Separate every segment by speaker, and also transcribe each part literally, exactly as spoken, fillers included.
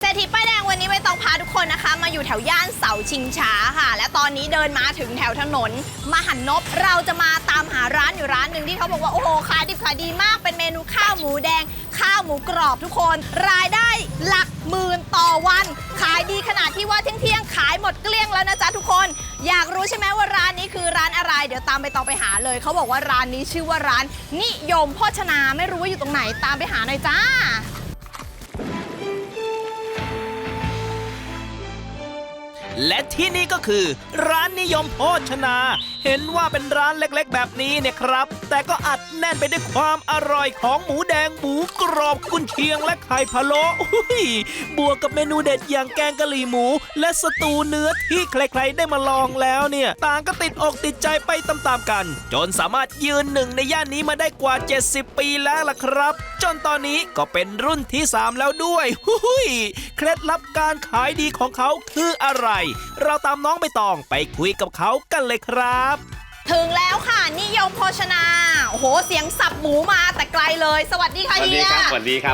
Speaker 1: ษฐีป้ายแดงวันนี้ไม่ต้องพาทุกคนนะคะมาอยู่แถวย่านเสาชิงช้าค่ะและตอนนี้เดินมาถึงแถวถนนมหันนบเราจะมาตามหาร้านอยู่ร้านหนึ่งที่เขาบอกว่าโอ้โหขายดิบขายดีมากเป็นเมนูข้าวหมูแดงข้าวหมูกรอบทุกคนรายได้หลักหมื่นต่อวันขายดีขนาดที่ว่าเที่ยงๆขายหมดเกลี้ยงแล้วนะจ๊ะทุกคนอยากรู้ใช่ไหมว่าร้านนี้คือร้านอะไรเดี๋ยวตามไปต่อไปหาเลยเขาบอกว่าร้านนี้ชื่อว่าร้านนิยมโภชนาไม่รู้ว่าอยู่ตรงไหนตามไปหาหน่อยจ้า
Speaker 2: และที่นี่ก็คือร้านนิยมโภชนาเห็นว่าเป็นร้านเล็กๆแบบนี้เนี่ยครับแต่ก็อัดแน่นไปด้วยความอร่อยของหมูแดงหมูกรอบกุนเชียงและไข่พะโล้บวกกับเมนูเด็ดอย่างแกงกะหรี่หมูและสตูเนื้อที่ใครๆได้มาลองแล้วเนี่ยต่างก็ติดอกติดใจไปตามๆกันจนสามารถยืนหนึ่งในย่านนี้มาได้กว่าเจ็ดสิบปีแล้วล่ะครับจนตอนนี้ก็เป็นรุ่นที่สามแล้วด้วยเคล็ดลับการขายดีของเขาคืออะไรเราตามน้องใบตองไปคุยกับเขากันเลยครับ
Speaker 1: ถึงแล้วค่ะนิยมโภชนาโอ้โหเสียงสับหมูมาแต่ไกลเลยสวัสดีค่ะเฮีย
Speaker 3: สวัสดีครับ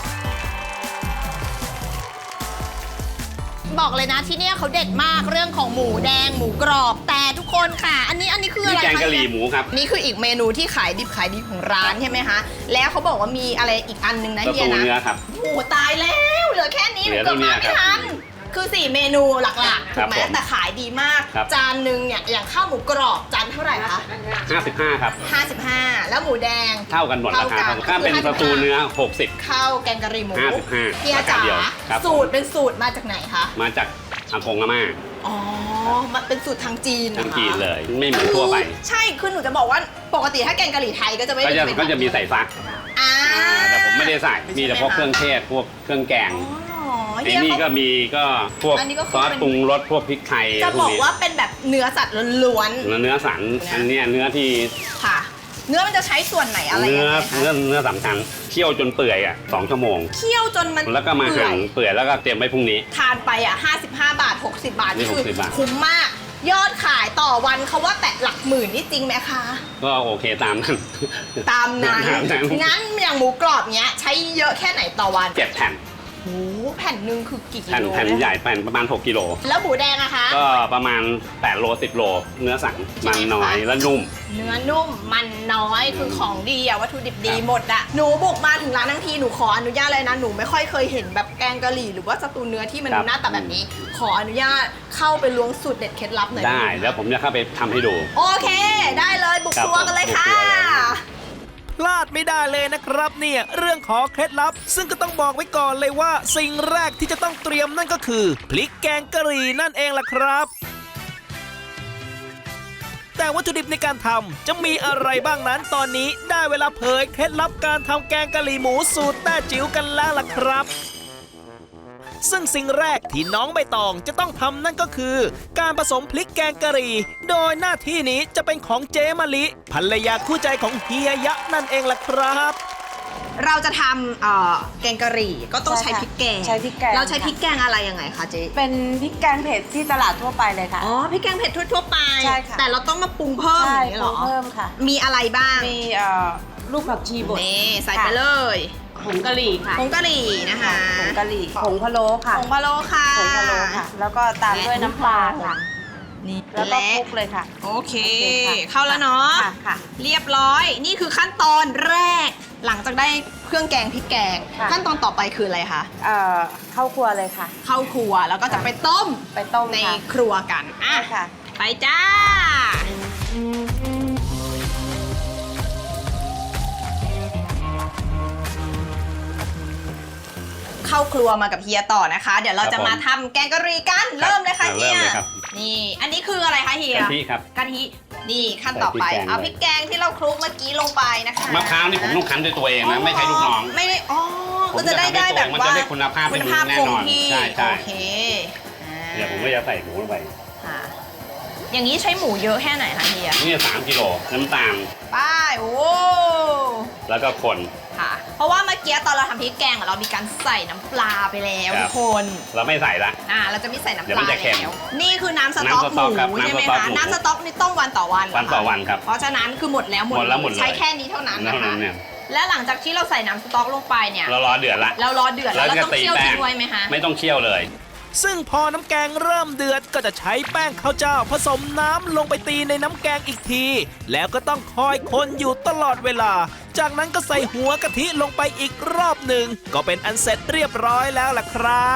Speaker 1: บอกเลยนะที่เนี่ยเขาเด็ดมากเรื่องของหมูแดงหมูกรอบแต่ทุกคนค่ะอันนี้อันนี้คืออะไรคะ
Speaker 3: แกงกะหรี่หมูครับ
Speaker 1: นี่คืออีกเมนูที่ขายดิบขายดีของร้านใช่ไหมคะแล้วเขาบอกว่ามีอะไรอีกอันนึงนะเฮียนะ
Speaker 3: เนื้อครับ
Speaker 1: โอ้ตายแล้วเหลือแค่นี้เกือบมาไม่ทันคือสี่เมนูหลักๆถูกไหมแต่ขายดีมากจานหนึ่งเนี่ยอย่างข้าวหมูกรอบจานเท่าไหร่คะ
Speaker 3: ห้าสิบห้าครับ
Speaker 1: ห้าสิบห้าแล้วหมูแดง
Speaker 3: เท่ากันหมดราคาถ้าเป็นสตูเนื้อหกสิบ
Speaker 1: ข้าวแกงกะหรี่หมู
Speaker 3: ห้าสิบห้า
Speaker 1: เฮียจ๋าสูตรเป็นสูตรมาจากไหนคะ
Speaker 3: มาจากอากงอาม่า
Speaker 1: อ๋อมันเป็นสูตรทางจีน
Speaker 3: ทางจีนเลยไม่เหมือนทั่วไป
Speaker 1: ใช่คือหนูจะบอกว่าปกติถ้าแกงกะหรี่ไทยก็จะไม่ได้
Speaker 3: ก็จะมีใส่ฟักแต่ผมไม่ได้ใส่มีแต่พวกเครื่องเทศพวกเครื่องแกงไอ้นี่ก็มีก็พวกซอสปรุงรสพวกพริกไทย
Speaker 1: จะบอกว่าเป็นแบบเนื้อสัตว์ล้วน
Speaker 3: ๆเนื้อสันอันนี้เนื้อที่
Speaker 1: ค่ะเนื้อมันจะใช้ส่วนไหนอะไร
Speaker 3: เนื้อเนื้อเนื้อสำคัญเคี่ยวจนเปื่อยอ่ะสองชั่วโมง
Speaker 1: เคี่ยวจนมัน
Speaker 3: แล้วก็มาหั่นเปื่อยแล้วก็เตรียมไว้พรุ่งนี้
Speaker 1: ทานไปอ่ะห้าสิบห้าบาทหกสิบบาทนี่คือคุ้มมากยอดขายต่อวันเขาว่าแตะหลักหมื่นนี่จริงไหมคะ
Speaker 3: ก็โอเคตามนั้น
Speaker 1: ตามนั้นงั้นอย่างหมูกรอบเนี้ยใช้เยอะแค่ไหนต่อวัน
Speaker 3: เจ็ดแผ่น
Speaker 1: โอ้แผ่นหนึ่งคือกี่กิโล
Speaker 3: แผ่นใหญ่แผ่นประมาณหกกิโล
Speaker 1: แล้วหมูแดงอะคะ
Speaker 3: ก็ประมาณแปดโลสิบโลเนื้อสันมันน้อยและนุ่ม
Speaker 1: เนื้อนุ่มมันน้อยคือของดีอะวัตถุดิบดีหมดอะหนูบุกมาถึงร้านทั้งทีหนูขออนุญาตเลยนะหนูไม่ค่อยเคยเห็นแบบแกงกะหรี่หรือว่าสตูเนื้อที่มันหน้าตาแบบนี้ขออนุญาตเข้าไปล้วงสูตรเด็ดเคล็ดลับหน่อย
Speaker 3: ได้แล้วผมจะเข้าไปทำให้ดู
Speaker 1: โอเคได้เลยบุกครัวกันเลยค่ะ
Speaker 2: พลาดไม่ได้เลยนะครับเนี่ยเรื่องของเคล็ดลับซึ่งก็ต้องบอกไว้ก่อนเลยว่าสิ่งแรกที่จะต้องเตรียมนั่นก็คือพริกแกงกะหรี่นั่นเองล่ะครับแต่วัตถุดิบในการทำจะมีอะไรบ้างนั้นตอนนี้ได้เวลาเผยเคล็ดลับการทำแกงกะหรี่หมูสูตรแต้จิ๋วกันแล้วล่ะครับซึ่งสิ่งแรกที่น้องใบตองจะต้องทำนั่นก็คือการผสมพริกแกงกะหรี่โดยหน้าที่นี้จะเป็นของเจมะลิภรรยาคู่ใจของเฮียยะนั่นเองล่ะครับ
Speaker 1: เราจะทำแกงกะหรี่ก็ต้องใช้พริกแกง
Speaker 4: ใช้พริกแกง
Speaker 1: เราใช้พริกแกงอะไรยังไงคะเจ๊
Speaker 4: เป็นพริกแกงเผ็ดที่ตลาดทั่วไปเลยค่ะ
Speaker 1: อ๋อพริกแกงเผ็ดทั่วๆไป
Speaker 4: ใช่ค่ะ
Speaker 1: แต่เราต้องมาปรุงเพิ่มอย่างนี้หรอ
Speaker 4: เพิ่มค่ะ
Speaker 1: มีอะไรบ้าง
Speaker 4: มีลูกผักชีบด
Speaker 1: นี่ใส่ไปเลย
Speaker 4: ผงกะหรี่ค่ะ
Speaker 1: ผงกะหรี่นะคะ
Speaker 4: ผงกะหรี่ผงพะโล้ค่ะ
Speaker 1: ผงพะโล้ค่ะ
Speaker 4: ผงพะโล้ค่ะแล้วก็ตามด้วยน้ำปลาค่ะนี่แล้วก็คลุกเลยค่ะ
Speaker 1: โอเคเข้าแล้วเนาะค่ะเรียบร้อยนี่คือขั้นตอนแรกหลังจากได้เครื่องแกงพริกแกงขั้นตอนต่อไปคืออะไรคะ
Speaker 4: เอ่อเข้าครัวเลยค่ะ
Speaker 1: เข้าครัวแล้วก็จะไปต้ม
Speaker 4: ไปต้ม
Speaker 1: ในครัวกันอ่ะไปจ้าเข้าครัวมากับเฮียต่อนะคะเดี๋ยวเราจะมาทำแกงกะหรี่กันเริ่มเลยค่ะเฮียนี่อันนี้คืออะไรคะเฮีย
Speaker 3: กะทิครับ
Speaker 1: กะทินี่ขั้นต่อไปเอาพริกแกงที่เราคลุกเมื่อกี้ลงไปนะคะ
Speaker 3: มะพร้าวนี่ผมต้องคั้นด้วยตัวเองนะไม่ใช่ลูกน้อง
Speaker 1: ไม่ได้อ๋อก็จะได้ได้แบบว่า
Speaker 3: คุณภาพ
Speaker 1: คุณภาพคงที่
Speaker 3: ใช่ใช่
Speaker 1: โอเค
Speaker 3: เดี๋ยวผมก็จะใส่หมูลงไป
Speaker 1: อย่างนี้ใช้หมูเยอะแค่ไหนคะเฮีย
Speaker 3: นี่สามกิโลน้ำตาล
Speaker 1: ป้ายโอ้
Speaker 3: แล้วก็คน
Speaker 1: ค่ะเพราะว่าเมื่อกี้ตอนเราทำพริกแกงเรามีการใส่น้ำปลาไปแล้วทุกคน
Speaker 3: เราไม่ใส่ละ
Speaker 1: อ่าเราจะไม่ใส่น้ำปลาแล้วนี่คือน้ำสต๊อกหมูใช่ไหมคะน้ำสต๊อกนี่ต้องวันต่อวัน
Speaker 3: วันต่อวันครับ
Speaker 1: เพราะฉะนั้นคือหมดแล้วหมดแล้วใช้แค่นี้เท่านั้นนะคะและหลังจากที่เราใส่น้ำสต๊อกลงไปเนี่ย
Speaker 3: เรารอเดือดละ
Speaker 1: เรารอเดือดแล้วเราต้องเคี่ยวทิ้งไว้ไหมคะ
Speaker 3: ไม่ต้องเคี่ยวเลย
Speaker 2: ซึ่งพอน้ำแกงเริ่มเดือดก็จะใช้แป้งข้าวเจ้าผสมน้ำลงไปตีในน้ำแกงอีกที แล้วก็ต้องคอยคนอยู่ตลอดเวลา จากนั้นก็ใส่หัวกะทิลงไปอีกรอบหนึ่งก็เป็นอันเสร็จเรียบร้อยแล้วล่ะครับ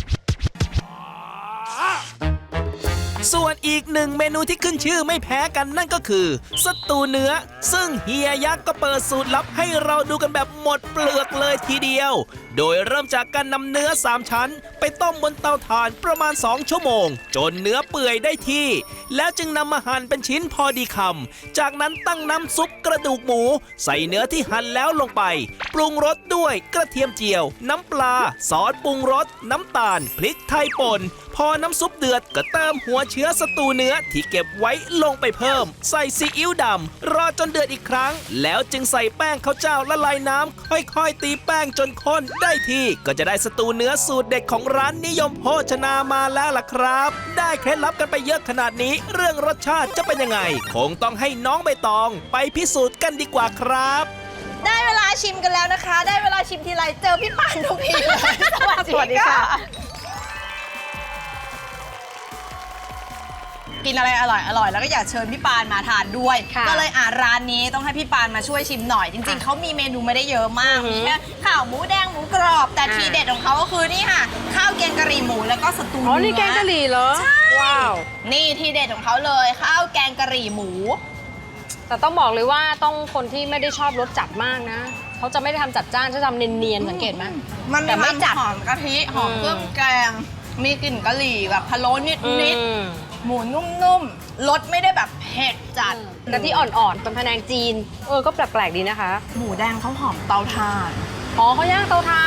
Speaker 2: ส่วนอีกหนึ่งเมนูที่ขึ้นชื่อไม่แพ้กันนั่นก็คือสตูเนื้อซึ่งเฮียยักษ์ก็เปิดสูตรลับให้เราดูกันแบบหมดเปลือกเลยทีเดียว โดยเริ่มจากการนำเนื้อสามชั้นไปต้มบนเตาถ่านประมาณสองชั่วโมงจนเนื้อเปื่อยได้ที่ แล้วจึงนำมาหั่นเป็นชิ้นพอดีคำจากนั้นตั้งน้ำซุปกระดูกหมูใส่เนื้อที่หั่นแล้วลงไปปรุงรสด้วยกระเทียมเจียวน้ำปลาซอสปรุงรสน้ำตาลพริกไทยป่นพอน้ำซุปเดือดก็เติมหัวเชื้อสตูเนื้อที่เก็บไว้ลงไปเพิ่มใส่ซีอิ๊วดำรอจนเดือดอีกครั้งแล้วจึงใส่แป้งข้าวเจ้าละลายน้ำค่อยๆตีแป้งจนข้นได้ที่ก็จะได้สตูเนื้อสูตรเด็ดของร้านนิยมโภชนามาแล้วล่ะครับได้เคล็ดลับกันไปเยอะขนาดนี้เรื่องรสชาติจะเป็นยังไงคงต้องให้น้องใบตองไปพิสูจน์กันดีกว่าครับ
Speaker 1: ได้เวลาชิมกันแล้วนะคะ ได้เวลาชิมทีไรเจอพี่ปานทุกทีเลย สวัสดีค่ะกินอะไรอร่อยอร่อยแล้วก็อยากเชิญพี่ปานมาทานด้วย ก็เลยอ่ะร้านนี้ต้องให้พี่ปานมาช่วยชิมหน่อยจริงๆเขามีเมนูไม่ได้เยอะมากมีแค่ข้าวหมูแดงหมูกรอบแต่ทีเด็ดของเขาก็คือนี่ค่ะข้าวแกงกะหรี่หมูแล้วก็สตู
Speaker 4: อ๋อ
Speaker 1: เนื้อ
Speaker 4: นี่แกงกะหรี่เหรอ
Speaker 1: ใช่
Speaker 4: ว้าว
Speaker 1: นี่ทีเด็ดของเขาเลยข้าวแกงกะหรี่หมู
Speaker 4: แต่ต้องบอกเลยว่าต้องคนที่ไม่ได้ชอบรสจัดมากนะเขาจะไม่ได้ทำจัดจ้านจะทำเนียนๆสังเกตไหม
Speaker 1: มัน
Speaker 4: แต่
Speaker 1: มี
Speaker 4: ไม่
Speaker 1: ความ
Speaker 4: จัด
Speaker 1: หอมกะทิหอม
Speaker 4: อืม
Speaker 1: เครื่องแกงมีกลิ่นกะหรี่แบบพะโล้นิด
Speaker 4: อื
Speaker 1: นิด
Speaker 4: ม
Speaker 1: หมูนุ่มๆรสไม่ได้แบบเผ็ดจัด
Speaker 4: กะทิอ่อนๆเป็นพะแนงจีนเออก็แปลกๆดีนะคะ
Speaker 1: หมูแดงเขาหอมเตาถ่าน
Speaker 4: อ๋อเขาย่างเตาถ่าน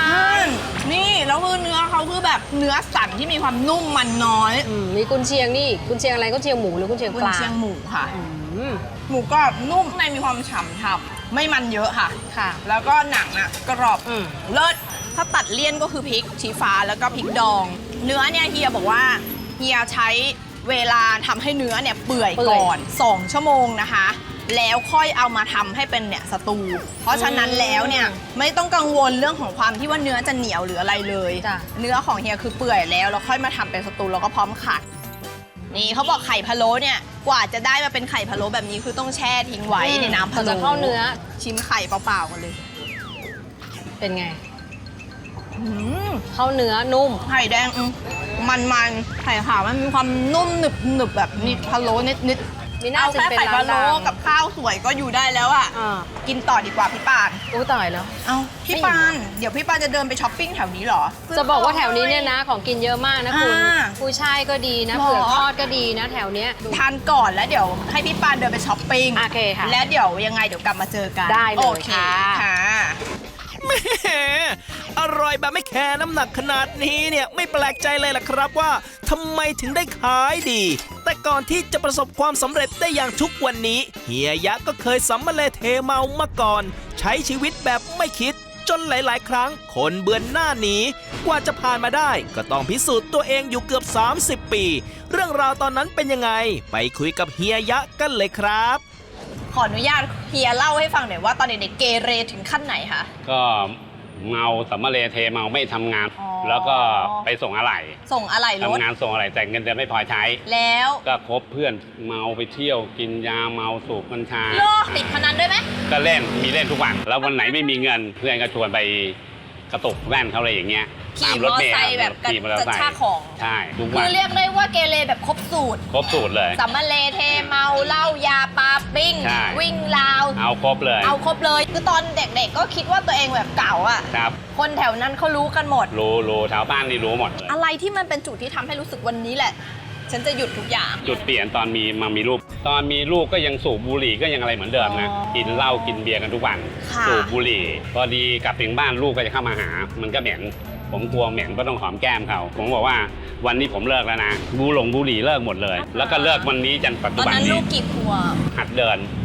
Speaker 1: นี่แล้วคือเนื้อเขาคือแบบเนื้อสันที่มีความนุ่มมันน้อย
Speaker 4: อืมมีกุนเชียงนี่กุนเชียงอะไรกุนเชียงหมูหรือกุนเชียง
Speaker 1: กุ
Speaker 4: ป
Speaker 1: น
Speaker 4: ลา
Speaker 1: เชียงหมูค่ะ
Speaker 4: อืม
Speaker 1: หมูกรอบนุ่มในมีความฉ่ำทับไม่มันเยอะค่ะ
Speaker 4: ค่ะ
Speaker 1: แล้วก็หนังอ่ะกรอบ
Speaker 4: อืม
Speaker 1: เลิศถ้าตัดเลี่ยนก็คือพริกชี้ฟ้าแล้วก็พริกดอง เนื้อเนี่ยเฮียบอกว่าเฮียใช้เวลาทำให้เนื้อเนี่ยเปื่อยก่อนสองชั่วโมงนะคะ แล้วค่อยเอามาทำให้เป็นเนี่ยสตู เพราะฉะนั้นแล้วเนี่ยไม่ต้องกังวลเรื่องของความที่ว่าเนื้อจะเหนียวหรืออะไรเลย
Speaker 4: จ้ะ
Speaker 1: เนื้อของเฮียคือเปื่อยแล้วแล้วค่อยมาทำเป็นสตูแล้วก็พร้อมขัด นี่เขาบอกไข่พะโล้เนี่ยกว่าจะได้มาเป็นไข่พะโล้แบบนี้คือต้องแช่ทิ้งไว้ในน้ำพะโล้
Speaker 4: จะเข้าเนื้อ
Speaker 1: ชิมไข่เปล่าๆกันเลย
Speaker 4: เป็นไง
Speaker 1: อืม
Speaker 4: เข้าเนื้อนุ่ม
Speaker 1: ไข่แดงอืมมันๆไข่ขาวมันมีความนุ่มหนึบหนึบๆแบบนิดพะโล้นิดนิด
Speaker 4: มี
Speaker 1: ๆ
Speaker 4: หน้า
Speaker 1: เอา
Speaker 4: จะ
Speaker 1: แค่
Speaker 4: เป็น
Speaker 1: ไข่
Speaker 4: ร้าน
Speaker 1: พะโล้
Speaker 4: ดัง
Speaker 1: กับข้าวสวยก็อยู่ได้แล้วอ่ะ
Speaker 4: อ่า
Speaker 1: กินต่อดีกว่าพี่ปาน
Speaker 4: อู้ตายแล้ว
Speaker 1: เอาพี่ปานเดี๋ยวพี่ปานจะเดินไปช้อปปิ้งแถวนี้เหรอ
Speaker 4: จะบอกว่าแถวนี้เนี่ยนะของกินเยอะมากนะคุณ
Speaker 1: อ่า
Speaker 4: กุ้ยช่ายก็ดีนะ
Speaker 1: หรอ
Speaker 4: เผือกทอดก็ดีนะแถวเนี้ย
Speaker 1: ทานก่อนแล้วเดี๋ยวให้พี่ปานเดินไปช้อปปิ้ง
Speaker 4: โอเคค่ะ
Speaker 1: และเดี๋ยวยังไงเดี๋ยวกลับมาเจอกัน
Speaker 4: ได้เลย
Speaker 1: โอเค
Speaker 4: ค่ะ
Speaker 1: ค่ะ
Speaker 2: แหมอร่อยแบบไม่แคร์น้ำหนักขนาดนี้เนี่ยไม่แปลกใจเลยล่ะครับว่าทำไมถึงได้ขายดี แต่ก่อนที่จะประสบความสำเร็จได้อย่างทุกวันนี้เฮียยะก็เคยสัมมาเลเทเมามาก่อน ใช้ชีวิตแบบไม่คิด จนหลาย ๆ ครั้งคนเบือนหน้าหนีกว่าจะผ่านมาได้ก็ต้องพิสูจน์ตัวเองอยู่เกือบสามสิบปี เรื่องราวตอนนั้นเป็นยังไงไปคุยกับเฮียยะกันเลยครับ
Speaker 1: ขออนุญาตเฮียเล่าให้ฟังหน่อยว่าตอนเด็กๆเกเรถึงขั้นไหนคะ
Speaker 3: ก็เมาสัมมาเลเทเมาไม่ทำงาน
Speaker 1: อ๋อ
Speaker 3: แล้วก็ไปส่งอะไหล่
Speaker 1: ส่งอะไรรถ
Speaker 3: ทำงานส่งอะไหล่แต่เงินเดือนไม่พอใช้
Speaker 1: แล้ว
Speaker 3: ก็คบเพื่อนเมาไปเที่ยวกินยาเมาสูบกัญชา
Speaker 1: เลิกติดพนันด้วยไหม
Speaker 3: ก็เล่นมีเล่นทุกวัน แล้ววันไหนไม่มีเงิน เพื่อนก็ชวนไปกระตุกแว่นเขาอะไรอย่างเงี้ย
Speaker 1: ขี่
Speaker 3: ตาม
Speaker 1: ม
Speaker 3: ร
Speaker 1: อ
Speaker 3: ถ
Speaker 1: เตอ
Speaker 3: เม
Speaker 1: ร์
Speaker 3: ล์
Speaker 1: ไซค์แบบกระ
Speaker 3: ขี่มอเตอร์
Speaker 1: กระ
Speaker 3: ไซ
Speaker 1: ชาก
Speaker 3: ค์
Speaker 1: ของ
Speaker 3: ใช่ทุก
Speaker 1: คื
Speaker 3: วั
Speaker 1: อน เรียกได้ว่าเกเรแบบครบสูตร
Speaker 3: ครบสูตรเลย
Speaker 1: สัมมาเลเทเมาเหล้ายาปาปิ้ง
Speaker 3: ใช่
Speaker 1: วิ่งราว
Speaker 3: เอาครบเลย
Speaker 1: เอาครบเลย คือตอนเด็กๆก็คิดว่าตัวเองแบบเก่าอ่ะ
Speaker 3: ครับ
Speaker 1: คนแถวนั้นเขารู้กันหมด
Speaker 3: รู้รู้ชาวบ้านนี่รู้หมดเลย
Speaker 1: อะไรที่มันเป็นจุดที่ทำให้รู้สึกวันนี้แหละ ฉันจะหยุดทุกอย่าง
Speaker 3: จุดเปลี่ยนตอนมีมามีลูก ตอนมีลูกก็ยังสูบบุหรี่ก็ยังอะไรเหมือนเดิมนะ
Speaker 1: อ๋อ
Speaker 3: กินเหล้ากินเบียร์กันทุกวัน
Speaker 1: ค่ะ
Speaker 3: สูบบุหรี่ พอดีกลับถึงบ้านลูกก็จะเข้ามาหา มันก็เหม็น ผมกลัวเหม็นก็ต้องหอมแก้มเขา ผมบอกว่าวันนี้ผมเลิกแล้วนะบูหลงบุหรี่เลิกหมดเลย แล้วก็เลิกวันนี้จนปัจ
Speaker 1: ต
Speaker 3: จุ
Speaker 1: อน
Speaker 3: บัน
Speaker 1: นั้นลู
Speaker 3: นี้
Speaker 1: กกี่ขวบ
Speaker 3: หัดเดิน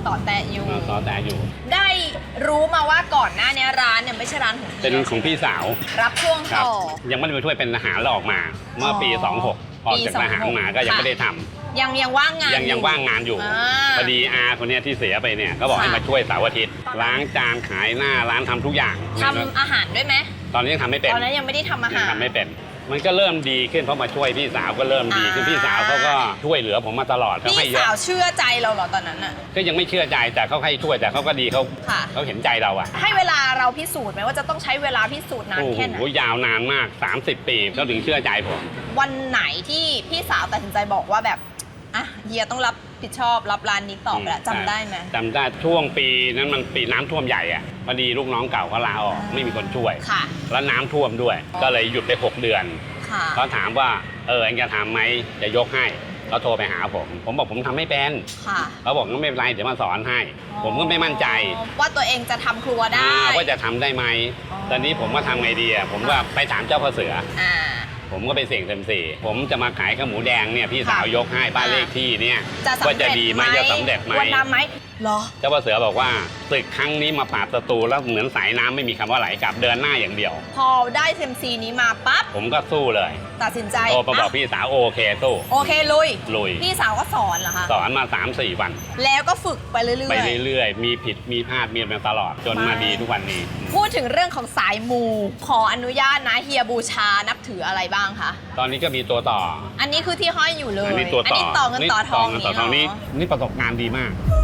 Speaker 1: ต่อแตะอยู่
Speaker 3: ต่อแต่อยู่
Speaker 1: ได้รู้มาว่าก่อนหน้านี้ร้านเนี่ยไม่ใช่ร้านของฮีย
Speaker 3: เป็นของพี่สาว
Speaker 1: รับช่วง
Speaker 3: ครับ
Speaker 1: ต่อ
Speaker 3: ยังไม่ได้ไปช่วยเป็นทหารแล้วออกมา เมื่อปี
Speaker 1: อ๋อ
Speaker 3: สองหกออกจากทหารมาก็ยัง
Speaker 1: ค่ะ
Speaker 3: ไม่ได้ทำ
Speaker 1: ยังยังว่างงาน
Speaker 3: ยังยังว่างงานอยู่
Speaker 1: อ่า
Speaker 3: พอดีอาคนเนี้ยที่เสียไปเนี่ยก็บอก
Speaker 1: ค่ะ
Speaker 3: ให้มาช่วยเสาร์อาทิตย์ล้างจานขายหน้าร้านทำทุกอย่าง
Speaker 1: ทำอาหารด้วยไหม
Speaker 3: ตอนนี้ยังทำไม่เป็น
Speaker 1: ตอนนั้นยังไม่ได้ทำอา
Speaker 3: ยั
Speaker 1: หาง ร
Speaker 3: ทำไม่เป็น มันก็เริ่มดีขึ้นเพราะมาช่วยพี่สาวก็เริ่มดีขึ้น
Speaker 1: อ่า
Speaker 3: พี่สาวเขาก็ช่วยเหลือผมมาตลอดเขาให้
Speaker 1: พี่
Speaker 3: เย
Speaker 1: สาว
Speaker 3: อะ
Speaker 1: เชื่อใจเราเหรอตอนนั้นอะ
Speaker 3: ก็ยังไม่เชื่อใจแต่เขาให้ช่วยแต่เขาก็ดีเขา
Speaker 1: ค่ะ
Speaker 3: เขาเห็นใจเราอะ
Speaker 1: ให้เวลาเราพิสูจน์ไหมว่าจะต้องใช้เวลาพิสูจน์นาน
Speaker 3: โอ้
Speaker 1: แค่ไหน
Speaker 3: โหยาวนานมาก สามสิบ ปีเขาถึงเชื่อใจผม
Speaker 1: วันไหนที่พี่สาวตัดสินใจบอกว่าแบบอ่ะเฮียต้องรับผิดชอบรับร้านนี้ต่อไปละจำได้ไหม
Speaker 3: จำได้ช่วงปีนั้นมันปีน้ำท่วมใหญ่อะพอดีลูกน้องเก่าเขาลาออก
Speaker 1: อ่า
Speaker 3: ไม่มีคนช่วย
Speaker 1: ค่ะ
Speaker 3: แล้วน้ำท่วมด้วย
Speaker 1: อ๋อ
Speaker 3: ก็เลยหยุดไปหกเดือน
Speaker 1: ค่ะ
Speaker 3: เขาถามว่าเออเองจะทำไหมจะยกให้เขาโทรไปหาผม ผมบอกผมทำไม่เป็น
Speaker 1: ค่ะ
Speaker 3: เขาบอกงั้นไม่เป็นไรเดี๋ยวมาสอนให้ ผมก็ไม่มั่นใจ
Speaker 1: ว่าตัวเองจะทำครัวได้
Speaker 3: อ่าว่าจะทำได้ไหม
Speaker 1: อ๋อ
Speaker 3: ตอนนี้ผมก็ทำไงดีอะผมก็ไปถามเจ้าพ่อเสือ
Speaker 1: อ่า
Speaker 3: ผมก็ไปเสี่ยงเซยมซีผมจะมาขายข้าวหมูแดงเนี่ยพี่สาวยกให้บ้านเลขที่เนี่ย
Speaker 1: จะสำ
Speaker 3: ว่า
Speaker 1: เร็
Speaker 3: จะ
Speaker 1: จ
Speaker 3: ดีไหมจะสำเร็จไหม
Speaker 1: วันน้ำไหมเหรอ
Speaker 3: เจ้าพ่อเสือบอกว่าศึกครั้งนี้มาปราบศัตรูแล้วเหมือนสายน้ำไม่มีคำว่าไหลกลับเดินหน้าอย่างเดียว
Speaker 1: พอได้เซมซีนี้มาปั๊บ
Speaker 3: ผมก็สู้เลย
Speaker 1: ตัดสินใจ
Speaker 3: โทรมาบอก
Speaker 1: อ่ะ
Speaker 3: พี่สาวโอเคสู้
Speaker 1: โอเคลุย
Speaker 3: ลุย
Speaker 1: พี่สาวก็สอนเหรอคะ
Speaker 3: สอนมา สามสี่ วัน
Speaker 1: แล้วก็ฝึกไปเรื่อยๆ
Speaker 3: ไปเรื่อยๆ มีผิดมีพลาดมีมาตลอดจนมาดีทุกวันนี้
Speaker 1: พูดถึงเรื่องของสายมู ขออนุญาตนะเฮียบูชานับถืออะไรบ้างคะ
Speaker 3: ตอนนี้ก็มีตัวต่อ
Speaker 1: อันนี้คือที่ห้อยอยู่เลย
Speaker 3: อันนี้ตัวต่อ
Speaker 1: นี้ต่อเงินต่อทอง
Speaker 3: เงินต่อทองนี้
Speaker 1: เนาะ
Speaker 3: นี่ประสบการณ์ดีมาก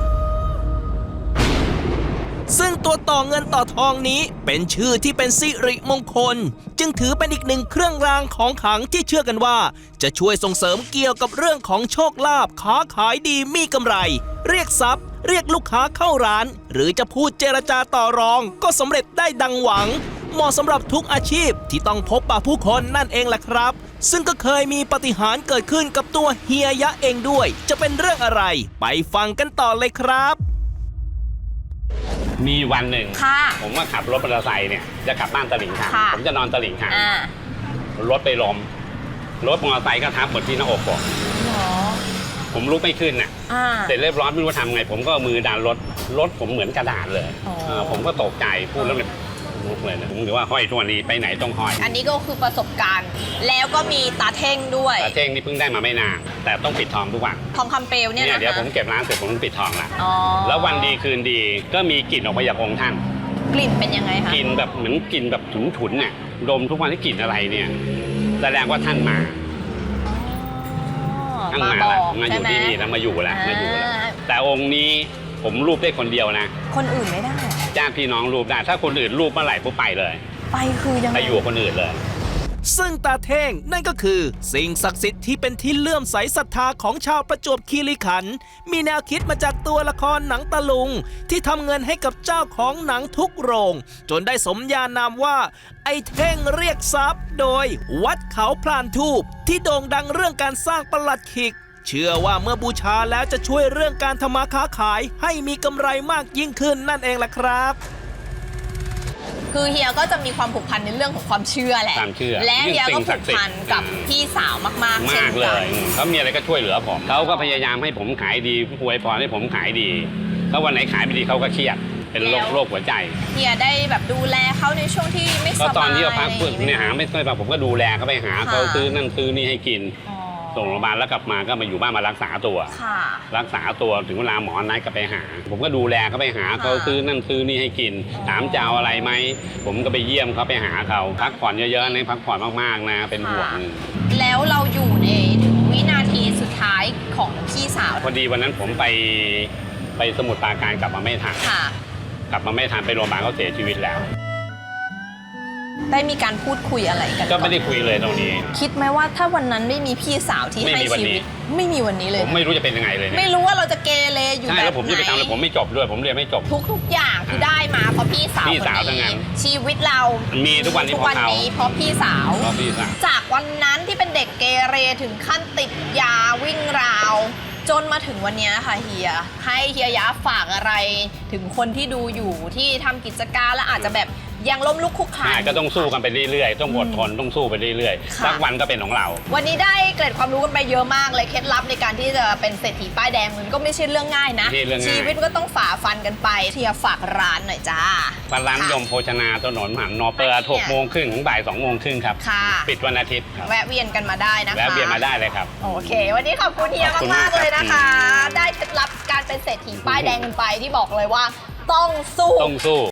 Speaker 2: ซึ่งตัวต่อเงินต่อทองนี้เป็นชื่อที่เป็นสิริมงคล จึงถือเป็นอีกหนึ่งเครื่องรางของขลังที่เชื่อกันว่า จะช่วยส่งเสริมเกี่ยวกับเรื่องของโชคลาภค้าขายดีมีกำไร เรียกทรัพย์ เรียกลูกค้าเข้าร้าน หรือจะพูดเจรจาต่อรอง ก็สำเร็จได้ดังหวัง เหมาะสำหรับทุกอาชีพที่ต้องพบปะผู้คนนั่นเองแหละครับ ซึ่งก็เคยมีปาฏิหาริย์เกิดขึ้นกับตัวเฮียยะเองด้วย จะเป็นเรื่องอะไร ไปฟังกันต่อเลยครับ
Speaker 3: มีวันหนึ่ง
Speaker 1: ค่ะ
Speaker 3: ผมว่าขับรถมอเตอร์ไซค์เนี่ยจะกลับบ้านตลิ่งชัน
Speaker 1: ค่ะ
Speaker 3: ผมจะนอนตลิ่งชัน
Speaker 1: อ่าร
Speaker 3: ถไปล้มรถมอเตอร์ไซค์ก็ทับหมดที่หน้าอกผม
Speaker 1: เหรอ
Speaker 3: ผมลุกไม่ขึ้นน่ะ
Speaker 1: อ่า
Speaker 3: เสร็จเรียบร้อยไม่รู้ทำไง ผมก็เอามือดันรถรถผมเหมือนกระดาษเลย
Speaker 1: อ๋อ
Speaker 3: เออผมก็ตกใจพูดแล้วเนี่ยลุกเลยนะผมถือว่าห้อยตัวนี้ไปไหนต้องห้อย
Speaker 1: อันนี้ก็คือประสบการณ์ แล้วก็มีตาเท่งด้วย
Speaker 3: แต่เท่งนี่เพิ่งได้มาไม่นานแต่ต้องปิดทองทุกวัน
Speaker 1: ทองคำเปลวเนี่ย
Speaker 3: เนี่ย
Speaker 1: นะ
Speaker 3: เดี๋ยวผม
Speaker 1: คะ
Speaker 3: เก็บร้านเสร็จผมต้องปิดทองละ
Speaker 1: อ๋อ
Speaker 3: แล้ววันดีคืนดีก็มีกลิ่นออกมาจากองค์ท่าน
Speaker 1: กลิ่นเป็นยังไงคะ
Speaker 3: กลิ่นแบบเหมือนกลิ่นแบบฉุนๆเนี่ยดมทุกวันที่กลิ่นอะไรเนี่ยแสดงว่าท่านมา ท่าน
Speaker 1: มา
Speaker 3: มา
Speaker 1: บอ
Speaker 3: แล้ว
Speaker 1: ก
Speaker 3: มาอ
Speaker 1: ใช่
Speaker 3: ยู่
Speaker 1: ไหม
Speaker 3: ที่นี่แล้วมาอยู่แล้วมาอยู่แล้ว
Speaker 1: อ่า
Speaker 3: แต่องค์นี้ผมรูปได้คนเดียวนะ
Speaker 1: คนอื่นไม่ได้
Speaker 3: ญาติพี่น้องรูปได้ ถ้าคนอื่นรูปเมื่อไหร่ปุ๊บไปเลย
Speaker 1: ไปคือยังไง
Speaker 3: ไปอยู่กับคนอื่นเลย
Speaker 2: ซึ่งตาเท่งนั่นก็คือ สิ่งศักดิ์สิทธิ์ที่เป็นที่เลื่อมใสศรัทธาของชาวประจวบคีรีขันธ์มีแนวคิดมาจากตัวละครหนังตะลุง ที่ทำเงินให้กับเจ้าของหนังทุกโรง จนได้สมญานามว่า ไอ้เท่งเรียกทรัพย์ โดยวัดเขาพลานทูปที่โด่งดังเรื่องการสร้างประหลัดขิก เชื่อว่าเมื่อบูชาแล้วจะช่วยเรื่องการทำมาค้าขายให้มีกำไรมากยิ่งขึ้นนั่นเองล่ะครับ
Speaker 1: คือเฮียก็จะมีความผูกพันในเรื่องของความเชื่อแหละ
Speaker 3: ความเชื่อ
Speaker 1: และเฮียก็
Speaker 3: สิ่งศั
Speaker 1: ผู
Speaker 3: ก
Speaker 1: ก
Speaker 3: ดิ์สิทธิ์
Speaker 1: พันกับ
Speaker 3: อืม
Speaker 1: พี่สาวมากๆเช่
Speaker 3: มาน กเล
Speaker 1: กั
Speaker 3: ย
Speaker 1: น
Speaker 3: เขามีอะไรก็ช่วยเหลือผมเขาก็พยายามให้ผมขายดีอวยพรให้ผมขายดีถ้าวันไหนขายไม่ดีเขาก็เครียดเป็นโรคโรคหัวใจ
Speaker 1: เฮียได้แบบดูแลเขาในช่วงที่ไม่ส
Speaker 3: ก็
Speaker 1: บาย
Speaker 3: ตอนที่เขาพัก
Speaker 1: อะไร
Speaker 3: ฝึก
Speaker 1: อย่าง
Speaker 3: เนี่ยหาไม่ค่อยมาผมก็ดูแลเขาไปหาเขา
Speaker 1: ค่ะ
Speaker 3: ซื้อนั่นซื้อนี่ให้กิน
Speaker 1: อ๋อ
Speaker 3: ส่งโรงพยาบาลแล้วกลับมาก็มาอยู่บ้านมารักษาตัว
Speaker 1: ค่ะ
Speaker 3: รักษาตัวถึงเวลาหมอนัดก็ไปหา ผมก็ดูแลเขาไปหาเขา
Speaker 1: ค่ะ
Speaker 3: ซื้อนั่นซื้อนี่ให้กิน ถามจะเอาอะไรไหมผมก็ไปเยี่ยมเขาไปหาเขาพักผ่อนเยอะๆนะพักผ่อนมากๆนะเป็นห่วง
Speaker 1: แล้วเราอยู่ในถึงวินาทีสุดท้ายของพี่สาว
Speaker 3: พอดีวันนั้นผมไปไปสมุทรปราการกลับมาไม่ทัน
Speaker 1: ค่ะ
Speaker 3: กลับมาไม่ทันไปโรงพยาบาลเขาเสียชีวิตแล้ว
Speaker 1: ได้มีการพูดคุยอะไรกัน
Speaker 3: ก็ไม่ได้
Speaker 1: อน
Speaker 3: คุยเลยตรงนี้
Speaker 1: คิดไหมว่าถ้าวันนั้นไม่มีพี่สาวที่
Speaker 3: ไม่
Speaker 1: ให้
Speaker 3: มีวัน
Speaker 1: ชี
Speaker 3: นี้
Speaker 1: วิต ไม่มีวันนี้เลย
Speaker 3: ผมไม่รู้จะเป็นยังไงเลยเนี่ย
Speaker 1: ไม่รู้ว่าเราจะเกเรอยู่
Speaker 3: ใช่
Speaker 1: แบบ
Speaker 3: แล้วผมจะไปทำอะไร
Speaker 1: ไหน
Speaker 3: ผมไม่จบด้วย ผมเรียนไม่จบ
Speaker 1: ทุกทุกๆอย่างคือได้มาเพราะพี่สาว
Speaker 3: พี่สาว
Speaker 1: คน
Speaker 3: ทั้งนั้น
Speaker 1: ชีวิตเรา
Speaker 3: มีทุกวันนี้
Speaker 1: ทุก
Speaker 3: เพ
Speaker 1: วัน
Speaker 3: ราะเขา
Speaker 1: นี้เพราะพี่สาว
Speaker 3: เพราะพี่สาว
Speaker 1: จากวันนั้นที่เป็นเด็กเกเรถึงขั้นติดยาวิ่งราว จนมาถึงวันนี้ค่ะเฮียให้เฮียยะฝากอะไร ถึงคนที่ดูอยู่ที่ทำกิจการแล้วอาจจะแบบยังล้มลุกคลุกคลาน
Speaker 3: อ่าก็ต้องสู้กันไปเรื่อยๆ ต้องอดทนต้องสู้ไปเรื่อย
Speaker 1: ค่ะ
Speaker 3: ๆสักวันก็เป็นของเรา
Speaker 1: วันนี้ได้เกร็ดความรู้กันไปเยอะมากเลยเคล็ดลับในการที่จะเป็นเศรษฐีป้ายแดงมันก็ไม่ใช่เรื่องง่ายนะ
Speaker 3: ไม่ใช่เรื่องง่าย
Speaker 1: ชีวิตก็ต้องฝ่าฟันกันไปเทียฝากร้านหน่อยจ้า
Speaker 3: ร้านนิยมโภชนาถนนมหานอเปิดหกโมงครึ่งถึงบ่ายสองโมงครึ่งครับ
Speaker 1: ค่ะ
Speaker 3: ปิดวันอาทิตย์ครับ
Speaker 1: แวะเวียนกันมาได้นะคะ
Speaker 3: แวะเวียนมาได้เลยครับ
Speaker 1: โอเค วันนี้ขอบคุณเฮีย
Speaker 3: ขอบคุณาก ก
Speaker 1: มามๆเลยนะคะ
Speaker 3: ครับ
Speaker 1: ได้เคล็ดลับการเป็นเศรษฐีป้ายแดงกันไปที่บอกเลยว่าต้องสู้
Speaker 3: ต้องสู้